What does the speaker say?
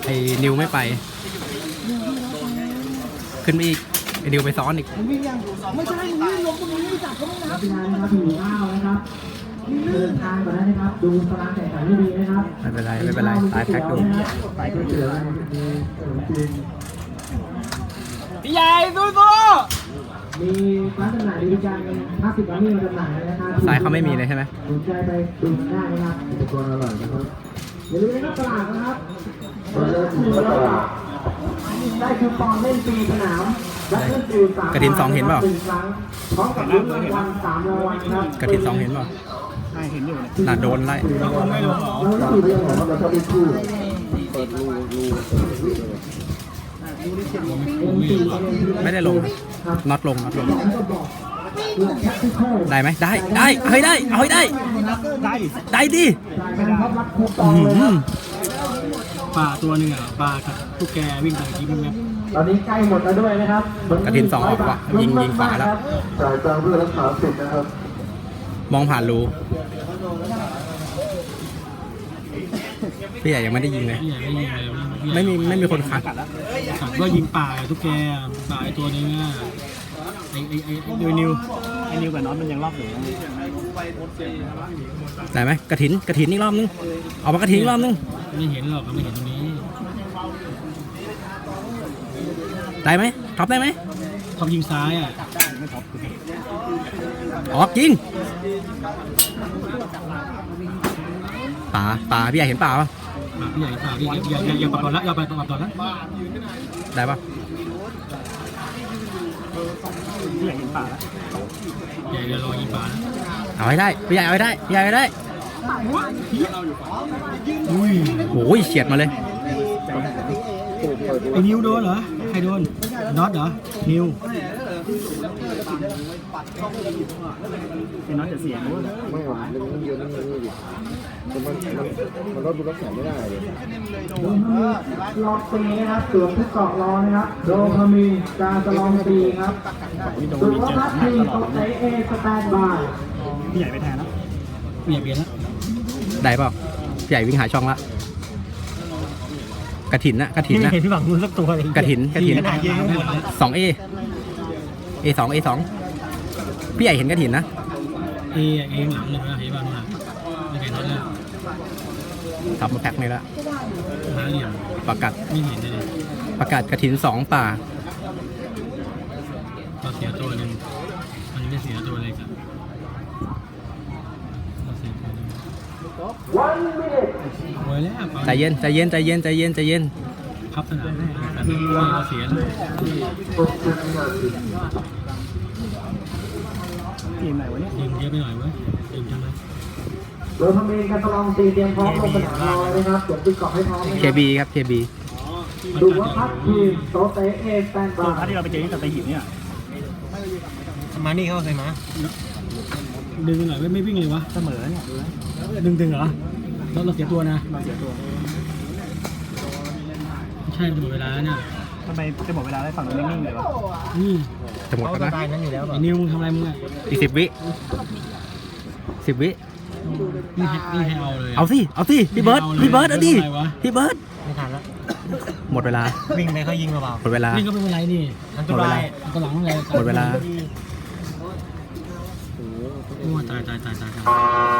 อ้นิวไม่ไปขึ้นไปอีกไอ้นิวไปซ้อนอีกวิ่งยังไม่ใช่วิ่งลงตรงนี้จับเขาไม่นับกีฬานะครับหิวข้าวนะครับเดินทางก่อนนะครับดูตารางแข่งขันให้ดีนะครับไม่เป็นไรไม่เป็นไรตายแพ็กดูไปก๋วยเตี๋ยวมีขนมจีนพี่ใหญ่สู้มีร้านจำหน่ายบริการ50 ร้านนี้มาจำหน่ายนะครับซ้ายเขาไม่มีเลยใช่ไหมสนใจไปดูได้นะครับอุปกรณ์อร่อยนะครับอย่าลืมนะครับตลาดนะครับเปิดเลยถึงตลาดได้คูปองเล่นฟรีสนามและเล่นฟรี3 กระถิน2เห็นเปล่า 1 ครั้งพร้อมกับลุ้นรางวัล3 รางวัลครับกระถิน2เห็นเปล่าน่าโดนไล่เราอยู่เรื่องของเราชอบคู่เปิดรูไม่ได้ลงน็อตลงได้ไหมได้เฮ้ยได้เอาให้ได้ได้ดิป่าตัวหนึ่งอ่ะป่ากับตุ๊กแกวิ่งไปกินมันตอนนี้ใกล้หมดแล้วด้วยนะครับกระถิน2ออกว่ะยิงขวาแล้วจ่ายตังค์เพื่อรักษาสิทธิ์นะครับมองผ่านรูพี่ใหญ่ยังไม่ได้ยิงเลยพี่ใหญ่ไม่ยิงเลยไม่มีคนขัดขับก็ยิงป่าตุ๊กแกป่าไอตัวนึงอ่ะไอนิวกับน็อตมันยังรอบอยู่ได้ไหมกระถินอีกรอบนึงออกมากระถินอีกรอบนึงไม่เห็นหรอกไม่เห็นตรงนี้ได้ไหมท็อปได้ไหมท็อปยิงซ้ายอ่ะออกยิงป่าพี่ใหญ่เห็นป่าปะพี่ใหญ่ป่าพี่อย่าปรับตอนละอย่าไปปรับตอนละได้ปะพี่ใหญ่ยิงป่าแล้วใหญ่เดี๋ยวรอยิงป่าแล้วเอาให้ได้พี่ใหญ่เอาให้ได้อุ้ยโอ้ยเฉียดมาเลยไอ้นิวโดนเหรอใครโดนน็อตเหรอนิวไอ้น็อตจะเสียนู้นไม่หรอกมันเยอะมันดิมันรถดูรถแข่งไม่ได้เลยลองตีนะครับสวมทุกเกาะรอนะครับโดพามีนการสลองตีครับสุวัฒน์ทีตกใจเอสแตนบายพี่ใหญ่ไปแทนแล้วพี่ใหญ่เปลี่ยนแล้วได้เปล่าพี่ใหญ่วิ่งหาช่องละกระถินนะเห็นพี่หวังมือสักตัวเลยกระถิน 2 2A A2 พี่ใหญ่เห็นกระถินนะเอหลังเลยนะเห็นบ้างนะไม่เห็นน็อตเลยทำมาแพ็คนี่ละหาเหลี่ยมประกาศไม่เห็นเลยประกาศกระถิน2ป่าเราเสียตัวหนึ่งมันไม่เสียตัวเลยครับเราเสียตัวหนึ่งโอ้ยแล้วใจเย็นพับสนามแน่แต่เราเสียแล้วทีมไหนวะเนี่ยทีมเยอะไปหน่อยเว้ยทีมจังเลยโดพามีนการสลองตีเตรียมพร้อมลงสนามรอเลยนะครับสวมทุกเกาะให้พร้อมนะ KB ครับ KB สุวัฒน์ทีโตเตเอสแตนบายที่เราไปเจอที่สเตย์หินเนี่ยมานี่เขาเคยมาดึงหน่อยไม่วิ่งเลยวะเสมอเนี่ยดึงเหรอเราเสียตัวนะเราเสียตัวใช่จะหมดเวลาแล้วเนี่ยทำไมจะหมดเวลาได้ฝั่งนู้นนิ่งๆเลยวะนี่จะหมดแล้วนะตายนั้นอยู่แล้วไอ้นิวมึงทำอะไรมึงอ่ะอีก10 วิ10 วินี่ให้เอาเลยเอาสิพี่เบิร์ดเอาดิพี่เบิร์ดไม่ทันแล้วหมดเวลาวิ่งไปเขายิงเปล่าหมดเวลานี่ก็ไม่เป็นไรนี่อันตรายอันตรายอะไรหมดเวลาโอ้ตาย